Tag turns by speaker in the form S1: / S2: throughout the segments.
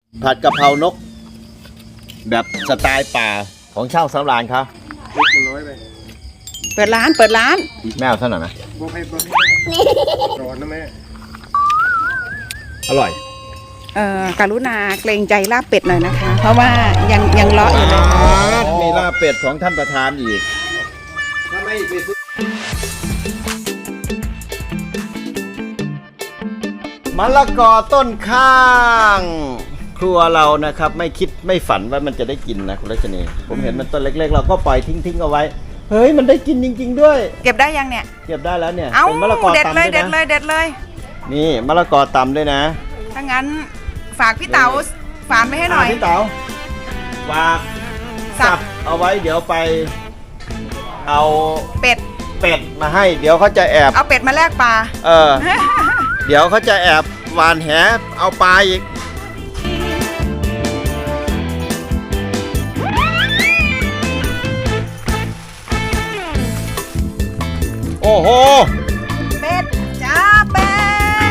S1: ผัดกะเพรานกแบบสไตล์ป่าของช่างสำราญครับ
S2: เปิดร้าน
S1: แม่เอาเท่าไหร่ไหมร้อนนะแม่อร่อย
S2: กรุณาเกรงใจลาบเป็ดหน่อยนะคะ เพราะว่ายังเลาะอยู่เลย
S1: มีลาบเป็ดของท่านประธานอีกถ้าไม่ไปซื้อมะละกอต้นข้าง ครัวเรานะครับไม่คิดไม่ฝันว่ามันจะได้กินนะคุณรัชนีผมเห็นมันต้นเล็กๆเราก็ปล่อยทิ้งเอาไว้เฮ้ยมันได้กินจริงๆด้วย
S2: เก็บได้ยังเนี่ย
S1: เก็บได้แล้วเนี่ย
S2: เอ้า
S1: เป็นมะละกอ
S2: เด็ด
S1: ตำ
S2: เลย
S1: ด้วยนะ
S2: เด็ดเลย
S1: นี่มะละกอตำด้วยนะ
S2: ถ้างั้นฝากพี่เต๋าฝานไปให้หน่อย
S1: พี่เต๋าฝาก
S2: สับ
S1: เอาไว้เดี๋ยวไปเอา
S2: เป็ด
S1: มาให้เดี๋ยวเขาจะแอบ
S2: เอาเป็ดมาแลกปลา
S1: เดี๋ยวเขาจะแอบหวานแหเอาปลาอีกโอ้โห
S2: เป็ดจ้าเป็ด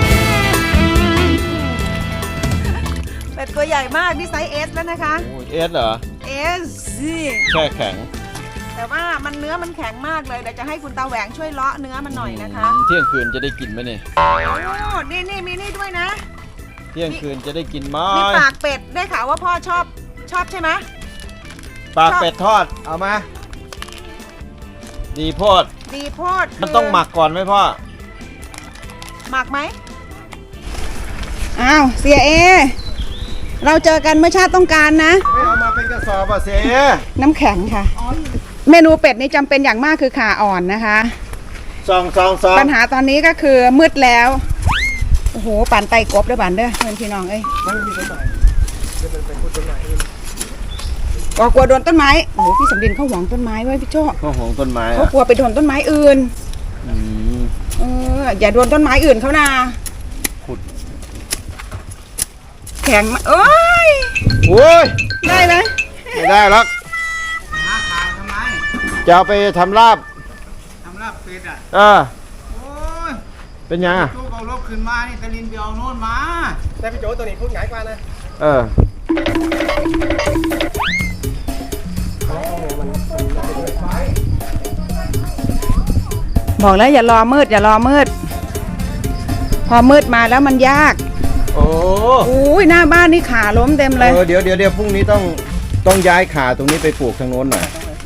S2: เป็ดตัวใหญ่มากนี่ไซส์ S แล้วนะคะ
S1: เอสเหรอ
S2: S นี่
S1: แช่แข็ง
S2: แต่ว่าเนื้อมันแข็งมากเลยเดี๋ยวจะให้คุณตาแหวงช่วยเลาะเนื้อมันหน่อยนะคะ
S1: เที่ยงคืนจะได้กินไหมเนี่ย
S2: โอ้นี่มีนี่ด้วยนะ
S1: เที่ยงคืนจะได้กินไหม
S2: มีปากเป็ดได้ข่าวว่าพ่อชอบใช่ไหม
S1: ปากเป็ดทอดเอามาดีโพด
S2: ดีโพด
S1: มันต้องหมักก่อนไหมพ่อ
S2: หมักไหมอ้าวเสียเอเราเจอกันเมื่อชาติต้องการนะ
S1: ไม่เอามาเป็นกระสอบอ่ะเสีย
S2: น้ำแข็งค่ะ เมนูเป็ดนี่จำเป็นอย่างมากคือขาอ่อนนะคะ
S1: ซอง
S2: ปัญหาตอนนี้ก็คือมืดแล้ว โอ้โหปั่นไตกบด้วยบันเด้อเพื่อนพี่น้องเอ้ยกลัวโดนต้นไม้โอ้โหพี่สำลินเขาหวงต้นไม้ไว้พี่โจ้
S1: ข้าวหอมต้นไม้
S2: เขากลัวไปโดนต้นไม้อื่น
S1: อืม
S2: อย่าโดนต้นไม้อื่นเขานะ
S1: ขุด
S2: แข็งมาเอ้ย
S1: โอ้ย
S2: ได้ไหม
S1: ไม่ได้หรอก
S3: หาขายทำไม
S1: จะเอาไปทำลาบ
S3: ทำลาบเป็ดอ่ะ
S1: เออ
S3: โอ้ย
S1: เป็นยังอ่ะ
S3: ตู้เอารถขึ้นมานี่ตะลินไปเอาโน่นมา
S4: แต่พี่โจตัวนี้พูดง่ายกว่านะ
S1: เออ
S2: บอกแล้วอย่ารอมืดพอมืดมาแล้วมันยาก
S1: โอ้
S2: อุ้ยหน้าบ้านนี่ขาล้มเต็มเลย
S1: เดี๋ยวพรุ่งนี้ต้องย้ายขาตรงนี้ไปปลูกทางโน้นหน่อย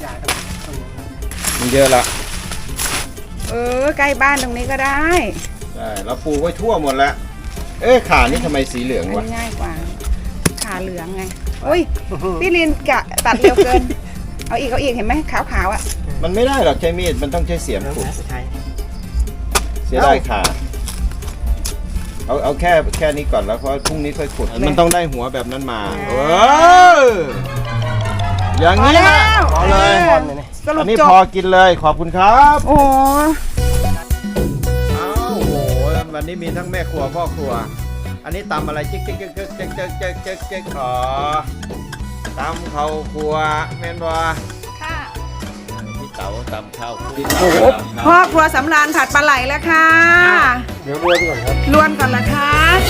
S1: มันเยอะละ
S2: ใกล้บ้านตรงนี้ก็ได้
S1: ใช่เราปลูกไว้ทั่วหมดแล้วเอ๊ะขานี่ทำไมสีเหลือง
S2: อัน
S1: วะ
S2: นี้ง่ายกว่าขาเหลืองไงอุ้ยพี่ลินกะตัดเร็วเกิน เอาอีกเห็นไหมขาวๆอ่ะ
S1: มันไม่ได้หรอกใช้มีดมันต้องใช้เสียมขุด
S4: สุดท้าย
S1: เสียได้ขาเอาแค่นี้ก่อนแล้วเพราะพรุ่งนี้ค่อยขุดมันต้องได้หัวแบบนั้นมาอย่างนี้นะพอเลย
S2: สรุ
S1: อั
S2: ป
S1: นนี้
S2: จบ
S1: พอกินเลยขอบคุณครับ
S2: โอ้
S1: อ้าวโอ้โหวันนี้มีทั้งแม่ครัวพ่อครัว อันนี้ตำอะไรเจ๊กอ๋อตำข้าวครัวแม่นบ่
S2: ค่ะ
S1: พี่เต๋าตำข้าวครัว
S2: โอ้โหพ่อครัวสำราญผัดปลาไหลแล้วค่ะ
S4: เดี๋ยวรวนก่อนครับ
S2: ลวนก่อนละคะ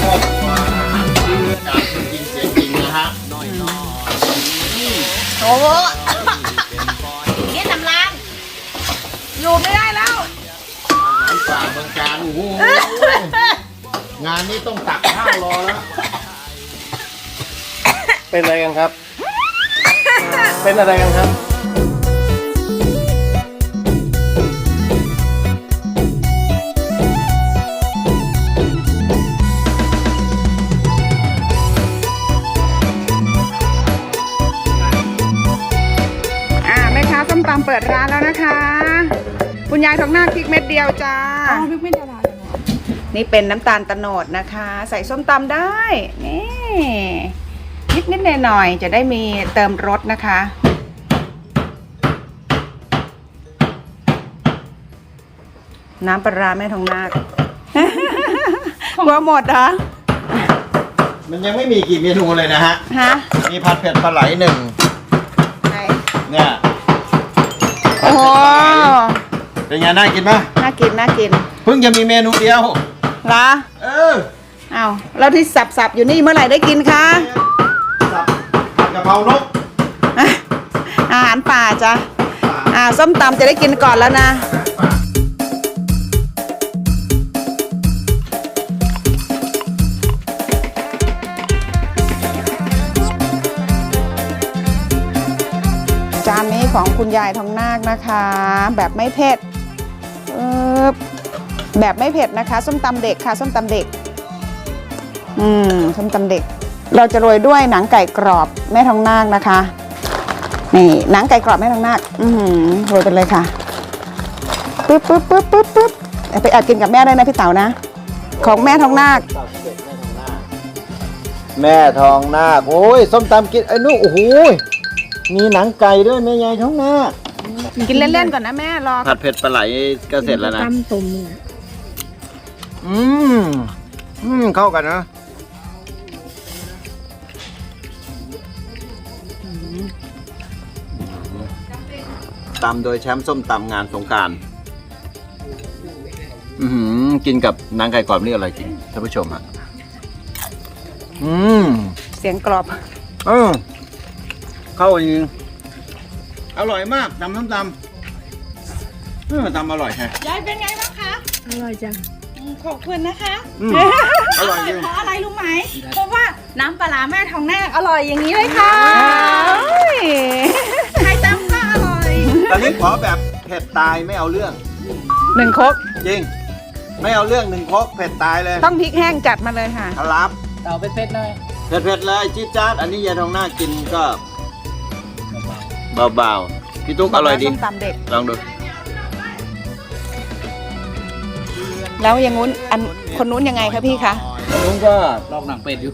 S1: จริงเสียงจริงนะฮะน้อย
S2: โอ้โหนี่สำราญอยู่ไม่ได้แล้ว
S1: อาหารป่าเมืองการโอ้โหงานนี้ต้องตักข้าวรอแล้ว
S4: เป็นอะไรกันครับ เป็นอะไรกันครับ
S2: แม่ค้าส้มตำเปิดร้านแล้วนะคะ คุณยายทองหน้าพริกเม็ดเดียวจ้าพริกเม็ดเดียวนี่เป็นน้ำตาลตะโนดนะคะ ใส่ส้มตำได้นี่นิดหน่อยๆจะได้มีเติมรสนะคะ น้ำปลาร้าแม่ทองนาค กลัวหมดเหรอ
S1: มันยังไม่มีกี่เมนูเลยนะฮะ
S2: ฮะ
S1: มีผัดเผ็ดปลาไหลหนึ่ง
S2: ไหน
S1: เนี่ย
S2: โอ้โห
S1: เป็นไงน่ากินไหม
S2: น่ากิน
S1: เพิ่งจะมีเมนูเดียว
S2: เหรอ
S1: เออ
S2: อ้าวแล้วที่สับๆอยู่นี่เมื่อไหร่ได้กินคะ
S1: านก
S2: อาหารป่าจ้ะส้มตำจะได้กินก่อนแล้วนะจานนี้ของคุณยายทองนาคนะคะ แบบไม่เผ็ดแบบไม่เผ็ดนะคะส้มตำเด็กค่ะส้มตำเด็กส้มตำเด็ก เราจะโรยด้วยหนังไก่กรอบแม่ทองนาคนะคะนี่หนังไก่กรอบแม่ทองนาคโรยไปเลยค่ะปึ๊บไปแอบกินกับแม่ได้นะพี่เต๋านะของแม่ทองนาค
S1: แม่ทองนาคโอ้ยส้มตำกินไอ้นู่นโอ้โหมีหนังไก่ด้วยแม่ยายทองนาค
S2: กินเล่นๆก่อนนะแม่รอ
S1: ผัดเผ็ดปลาไหลก็เสร็จแล้วนะเข้ากันนะตำโดยแชมป์ส้มตำงานสงกรานต์กินกับนางไก่กรอบนี่อร่อยจริงท่านผู้ชมฮะ
S2: เสียงกรอบ
S1: เข้าจริงอร่อยมากตำส้มตำตำอร่อยแฮะ
S2: ยายเป็นไงบ้างคะ
S5: อร่อยจัง
S2: ขอบคุณนะคะ
S1: อร่อยจริง
S5: เพราะอะไรรู้ไหม เพราะว่าน้ำปลาร้าแม่ทองนาคอร่อยอย่างนี้เลยค่ะใครตำก็อร่อย
S1: ตอนนี้ขอแบบเผ็ดตายไม่เอาเรื่อง
S2: 1 ครก
S1: จริง ไม่เอาเรื่อง1 ครกเผ็ดตายเลย
S2: ต้องพริกแห้งจัดมาเลยค่ะ
S1: ครับ
S3: เต่าเป็ดๆเลย
S1: เผ็ดๆเลยจี๊ดจ๊าดอันนี้ยายทองหน้ากินก็เบาๆพี่ตุ๊กอร่อยดี
S2: ส้มตำเด็ก
S1: ลองดู
S2: แล้วอย่างงู้นคนนู้นยังไงคะพี่คะ
S1: ลุงก็
S3: ลอกหนังเป็ดอยู่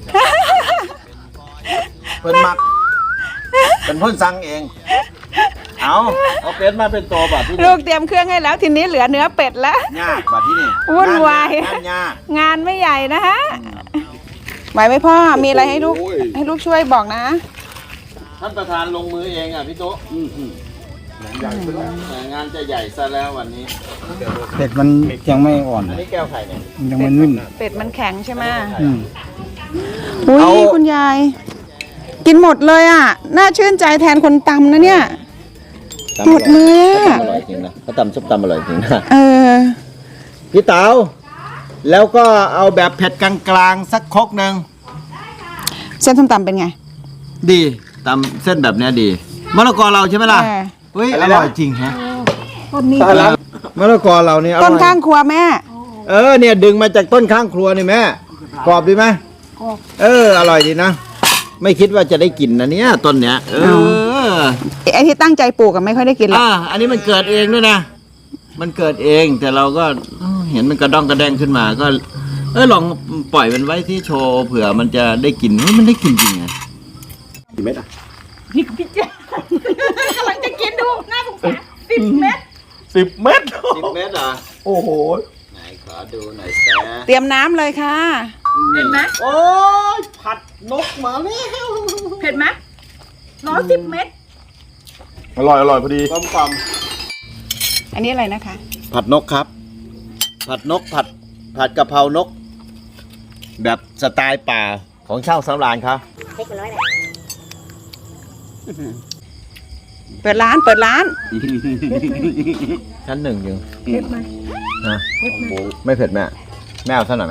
S1: เพิ่นมักเป็นเพ่นสั่งเองเอาเป็ดมาเป็นตัวบัดที่
S2: ลู
S1: นี่
S2: กเตรียมเครื่องให้แล้วทีนี้เหลือเนื้อเป็ดแล้ว
S1: ยากบัดที่นี่
S2: วุ่นวาย
S1: งานยาก
S2: งานไม่ใหญ่นะฮะไหวไหมพ่อมีอะไรให้ลูกช่วยบอกนะ
S1: ท่านประธานลงมือเองอ่ะพี่ตุ๊กงานจะใหญ่ซะแล้ววันนี้
S3: เป็ดมันยังไม่อ่อน
S1: อันนี้แก้วไข่เนี่ย
S3: ยังไม่นิ่ม
S2: เป็ดมันแข็งใช่ไหม
S1: เอา
S2: อุ้ยคุณยาย กินหมดเลยอ่ะ น่าชื่นใจแทนคนตำนะเนี่ย หมดเลยอะ
S1: อร่อยจริงนะเขาตำซุปตำอร่อยจริงนะ พี่เต๋าแล้วก็เอาแบบเผ็ดกลางๆสักครกหนึ่ง
S2: เส้นส้มตำเป็นไง
S1: ดีตำเส้นแบบเนี้ยดีมะละกอเราใช่ไหมล่ะ เฮ้ยอร่อยจริงฮะ
S2: ต้นนี้
S1: มะละกอเราเนี่ยอร่อย
S2: ต้นข้างครัวแม่
S1: เนี่ยดึงมาจากต้นข้างครัวนี่แม่กรอบดีไหมกรอบอร่อยดีนะไม่คิดว่าจะได้กินนะเนี่ยต้นเนี้ย
S2: ไอ้ที่ตั้งใจปลูกกันไม่ค่อยได้กินหรอก
S1: อันนี้มันเกิดเองด้วยนะมันเกิดเองแต่เราก็เห็นมันกระด้องกระแดงขึ้นมาก็ลองปล่อยมันไว้ที่โชว์เผื่อมันจะได้กินมันได้กินจริงไงกี่เม็ดอ่ะ
S5: กำลังจะกินดูน่าสงสาร10 เม็ด
S1: 10 เม็ดเหรอโอ้โหไหนขอดูหน่อยแซ่
S2: เตรียมน้ำเลยค่ะ
S5: เห็นไหม
S1: โอ้ยผัดนกมาแล้ว
S5: เผ็ดไหม110 เม็ด
S4: อร่อยพอดี
S1: กลมกล่อม
S2: อันนี้อะไรนะคะ
S1: ผัดนกครับ ผัดนกผัดกะเพรานก แบบสไตล์ป่าของช่างสำราญครับ
S2: เปิดร้าน
S1: ชั้น 1ยัง
S5: เผ็ดไหม
S1: ฮะไม่เผ็ดแม่แม่เอาเท่าไหร่ไหม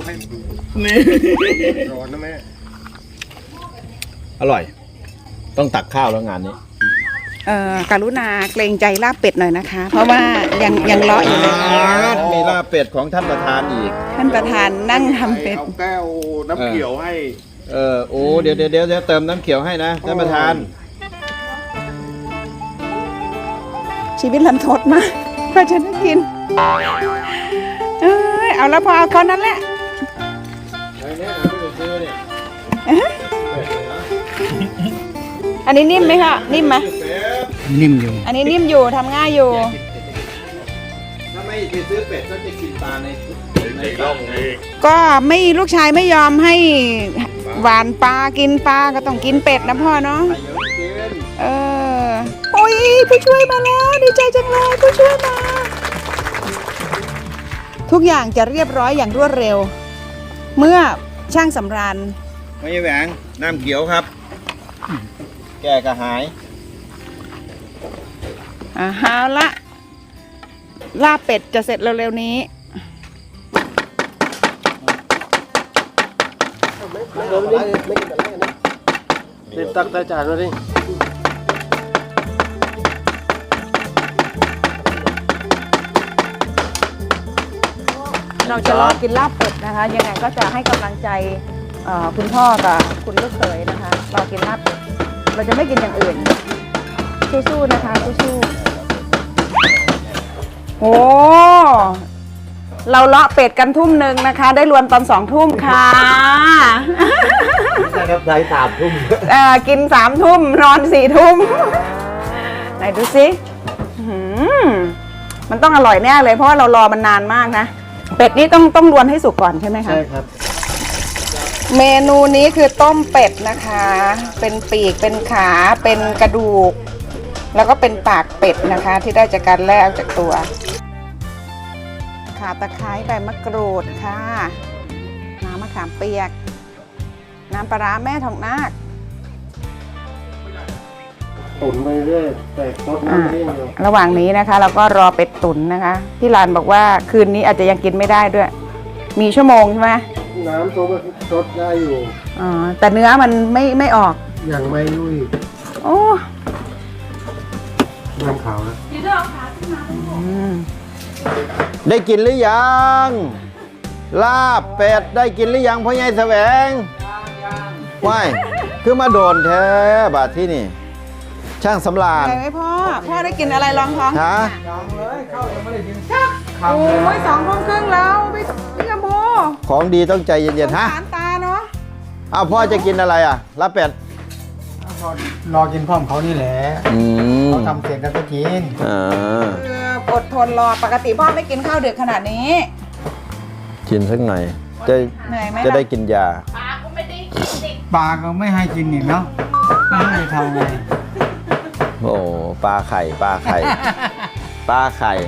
S4: ร้อนนะแม่
S1: อร่อย ต้องตักข้าวแล้วงานนี้
S2: กรุณาเกรงใจลาบเป็ดหน่อยนะคะ เพราะว่ายังเลาะอยู่เลย
S1: มีลาบเป็ดของท่านประธานอีก
S2: ท่านประธานนั่งทำเป็ด
S4: เอาแก้วน้ำเขียวให้
S1: โอ้เดี๋ยวเติมน้ำเขียวให้นะท่านประธาน
S2: ชีวิตลันทดมากเพื่อจะได้กินเอาแล้วพอเอาเท่านั้นแหละ อันนี้นิ่มไหมคะนิ่มไหม
S3: นิ่มอยู่
S2: อันนี้นิ่มอยู่ทำง่ายอยู่
S1: ถ้าไม่ไปซื้อเป็ดก็จะกินปลาในร่องเอง
S2: ก็ไม่ลูกชายไม่ยอมให้หวานปลากินปลาก็ต้องกินเป็ดนะพ่อเนาะ
S1: ใครยังไม่กิน
S2: โอ้ยผู้ช่วยมาแล้วดีใจจังเลยผู้ช่วยมา ทุกอย่างจะเรียบร้อยอย่างรวดเร็ว เมื่อช่างสำราญ
S1: ไม่ใช่แหวงน้ำเขียวครับแก้กระหาย
S2: เอาละลาบเป็ดจะเสร็จเร็วๆนี้
S4: รีบตักใส่จานมาดิ
S2: เราจะรอกินลาบเป็ดนะคะ ยังไงก็จะให้กำลังใจคุณพ่อกับคุณลูกเขยนะคะรอกินลาบเป็ดเราจะไม่กินอย่างอื่นสู้ๆนะคะสู้ๆโอ้เราเลาะเป็ดกันทุ่มหนึ่งนะคะ ได้รวนตอน2 ทุ่มค่ะ
S3: ใช่ครับได้3 ทุ่ม
S2: กิน3 ทุ่มนอน4 ทุ่มไหนดูสิมันต้องอร่อยแน่เลยเพราะว่าเรารอมันนานมากนะเป็ดนี่ต้องรวนให้สุกก่อนใช่ไหมคะ
S3: ใช่ครับ
S2: เมนูนี้คือต้มเป็ดนะคะ เป็นปีกเป็นขาเป็นกระดูก แล้วก็เป็นปากเป็ดนะคะ ที่ได้จากการแล่ออกจากตัวข่าตะไคร้ใบมะกรูดค่ะน้ำมะขามเปียก น้ำปลาร้าแม่ทองนาค
S4: ตุ๋นไปเรื่อยแต่รสน้ำเองอยู่
S2: ระหว่างนี้นะคะเราก็รอเป็ดตุ๋นนะคะพี่ลานบอกว่าคืนนี้อาจจะยังกินไม่ได้ด้วย มีชั่วโมงใช่ไหม
S4: น้ำซุปรสได้อยู่
S2: อ๋อแต่เนื้อมันไม่ออก
S4: อย่างไม่ยุ่ย
S2: โอ้
S4: น้ำขาวนะ
S1: ได้กินหรือยัง ลาบเป็ดได้กินหรือยังพ่อใหญ่แสวงว้ายคือมาโดนแท้บาดที่นี่ ช่างสำราญ
S2: อะไรไหมพ่อได้กินอะไรรองท้อง
S1: ฮะ
S2: โอ้ย2 ทุ่มครึ่งแล้วพี่กำพู
S1: ของดีต้องใจเย็นๆฮะ
S2: สารตาเนาะ
S1: อ้าวพ่อจะกินอะไรอ่ะลาบเป็ด
S3: รอกินพร้อมเขานี่แหละ เขาทำเสร็จแล้วก็กิน
S2: อดทนรอปกติพ่อไม่กินข้าวดึกขนาดนี้
S1: กินสักหน่อยจะ
S2: เหนื่อยไหม
S1: จะได้กินยา
S3: ปลาก็ไม่ให้กินอีกเนาะไม่ให้ทำไง
S1: โอ้ปลาไข่ปลาไข่ปลาไข่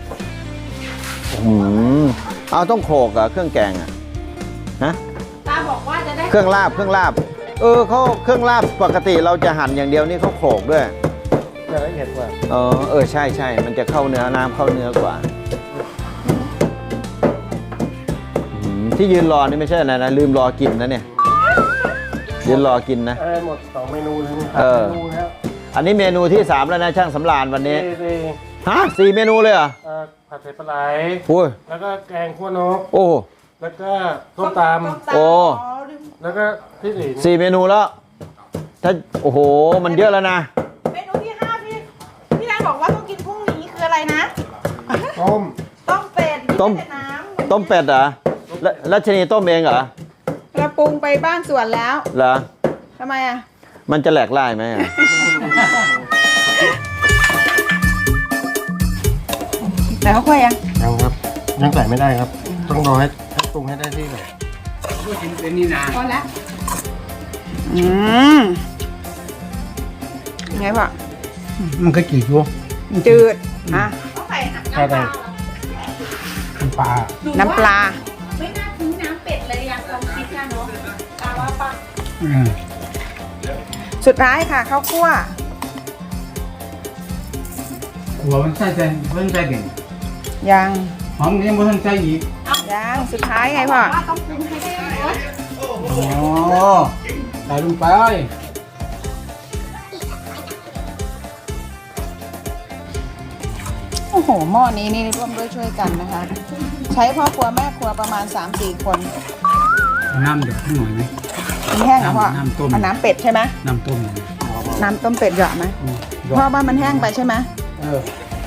S1: เอาต้องโขลกเหรอะเครื่องแกงอะฮะ
S5: ตาบอกว่าจะได้
S1: เครื่องลาบเครื่องลาบปกติเราจะหั่นอย่างเดียวนี่เขาโขลกด้วย
S4: จะละเอียดกว่า
S1: ใช่มันจะเข้าเนื้อน้ำเข้าเนื้อกว่าที่ยืนรอนี่ไม่ใช่อะไรนะลืมรอกินนะเนี่ยยืนรอกินนะ
S4: อะไรหมด2 เมนูเลยนี่
S1: เออ
S4: เมนูแล้ว
S1: อันนี้เมนูที่3แล้วนะช่างสำราญวันนี้
S4: สี่
S1: ฮะ4 เมนูเลยเหรอ
S4: ผัดเผ็ดปลาไหล
S1: โอ้ย
S4: แล้วก็แกงขั่วนก
S1: โอ้
S4: แล้วก็ต้มต
S1: โอ้
S4: ำแล้วก็พี่หลิน
S1: 4 เมนูแล้วถ้าโอ้โหมันเยอะแล้วนะ
S5: เมนูที่5พี่แดนบอกว่าต้องกินพรุ่งนี้คืออะไรนะ
S4: ต้ม
S5: ต้มเป็ด
S1: ต้ม
S5: ไใส่น้ำ
S1: ต้มเป็ดเหรอแล้วชนีต้มเองเหรอ
S2: เราปรุงไปบ้างส่วนแล้ว
S1: เหรอ
S2: ทำไมอ่ะ
S1: มันจะแหลกลายไหมอะ
S2: แต่เขาค่อยยัง
S4: ยังครับ ยังใส่ไม่ได้ครับ ต้องรอให้ปรุงให้ได้ที่ก่อน
S3: กินเป็นนี่นา
S2: พอแล้วไงพ่อ
S3: มันก็กี่ชั่ว
S2: จืดอ่ะ
S5: ต้องใส่น้ำ
S4: ใช่
S5: ป
S4: ได้
S5: ลา
S3: ปลา
S2: น้ำปลา
S5: ไม่น่าทิ้งน้ำเป็ดเลยอยากลองคิดนะเนาะตาว่าปะ
S2: สุดท้ายค่ะข้าวคั่ว
S3: หัวมันใส่ใจเพิ่งใส่เด่น
S2: ยัง
S3: หอมยังไม่ทันใส่อีก
S2: ยังสุดท้ายไงพ่อ
S5: ว่าต้องปรุงให้ได้รส
S3: อ๋อใส่ลงไป
S2: โอ้โหหม้อนี้นี่ร่วมด้วยช่วยกันนะคะ ใช้พ่อครัวแม่ครัวประมาณ 3-4 คน
S3: น้ำเดือดขึ้นหน่อยไหม
S2: มันแห้งเหรอพ่อ
S3: น้ำต้ม
S2: เอาน้ำเป็ดใช่ไหม
S3: น้ำต้มหน่อย
S2: น้ำต้มเป็ดเหยาะไหม
S3: หยอ
S2: พ่อ
S3: ด
S2: ว่ามันแห้งไปใช่ไหม
S3: เออ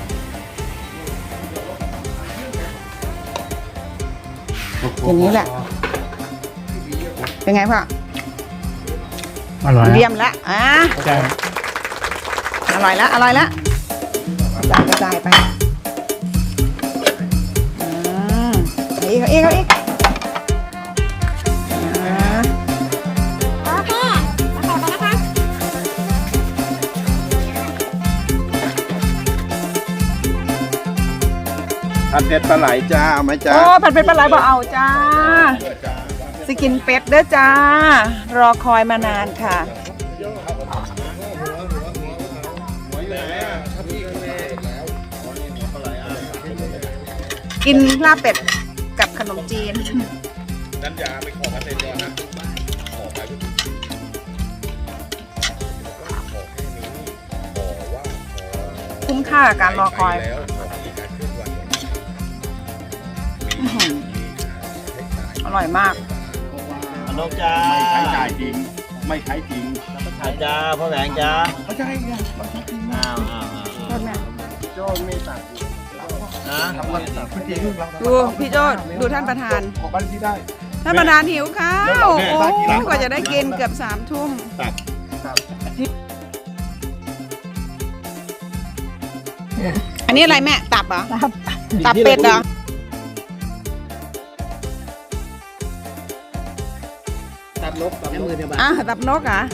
S2: อย่างนี้แหละ เป็นไงพ่อ
S3: อร่อย
S2: เยี่ยมละ
S3: ใช่
S2: อร่อยละกระจายไปอีกอ่า
S1: ผัดเผ็ดปลาไหลจ้าเอาไหมจ้า
S2: โอ้ผัดเป็ดปลาไหลบอกเอาจ้าสกินเป็ดเด้อจ้า รอคอยมานานค่ะกินลาบเป็ดกับขนมจีน
S4: นันยาไปขอกันเลยนะขอไปขอแค่นี้ขอว่าขอ
S2: คุ้มค่ากับการรอคอย
S4: แล้วขอมีการเคลื่อนไหว
S2: อื้อหืออร่อยมาก
S1: น้องจ้า
S4: ไม่ใช้จ่ายจริง ไม่ใช้จริง
S1: อาจ้าพ่อแหวงจ้า
S4: ไม่ใช่ไงมันใช้จริง
S1: อ้าว
S2: โทษแม่
S4: โจ้ไม่ตัด
S1: นะ
S4: ทำกันตัดจริง
S2: ดูพี่โจ้ดูท่านประธาน
S4: ขอบ้านที่ได้
S2: ท่านประธานหิวข้าว โอ้กว่าจะได้กินเกือบ3 ทุ่ม
S1: ตัก
S2: อันนี้อะไรแม่ ตับเหรอ ตับเป็ดเหรอ
S3: ตัดลบในมือเดียวบ้า
S2: ตับนกเหรอ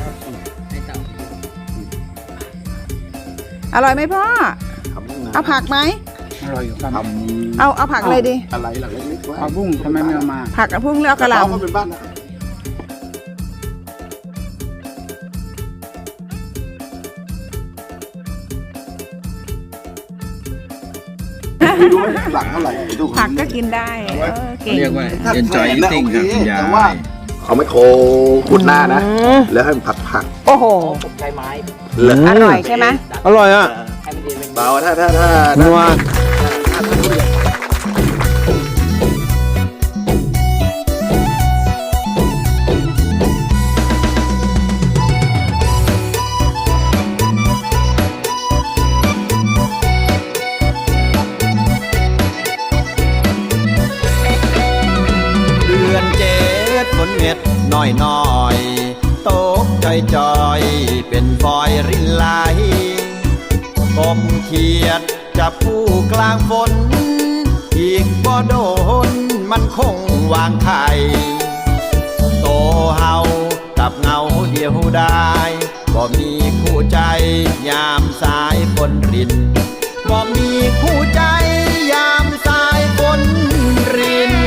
S2: อร่อยไหมพ่อ เอาผักไหม
S3: อร่อยอยู่ครับ
S2: เอาผักอะไรดี
S4: อะไรหลังเล็กๆไว้
S3: เอาบุ้งทำไมไม่เอามา
S2: ผักกับพุ่งเลือกกระห
S4: เราก็
S2: ล่ำ
S4: เป็นบ้านนะ ดูหลังเท่าไหร่ดู
S2: ผักก็กินได้เก่ง
S6: เรียกว่า enjoy eating ครับคุณยา
S4: แต่ว่าย เขาไม่โคขุดหน้านะ แล้วให้มันผัก
S2: โอ้โห
S4: แล้ว
S2: อร่อยใช่ไหม
S1: อร่อยอ่ะ
S4: เบาถ้า
S1: นัว เดือนเจ็ดฝนเม็ดน้อยน้อยตกจอยเป็นฟอยรินไหลกบเขียดจับผู้กลางฝน อีกบ่โดนมันคงวางไข่โตเฮากับเงาเดียวได้บ่มีคู่ใจยามสายฝนรินบ่มีคู่ใจยามสายฝนริน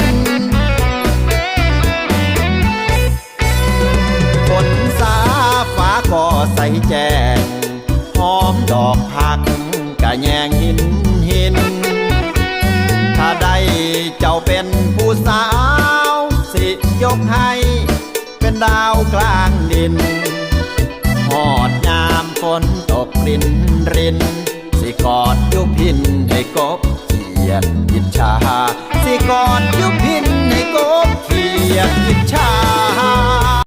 S1: ฝนสาฟ้าก็ใสแจ้งหอมดอกผักกะแยงหิน ถ้าได้เจ้าเป็นผู้สาวสิยกให้เป็นดาวกลางดินหอดยามฝนตกรินสิกอดยุพินให้กบเขียดอิจฉาสิกอดยุพินให้กบเขียดอิจฉา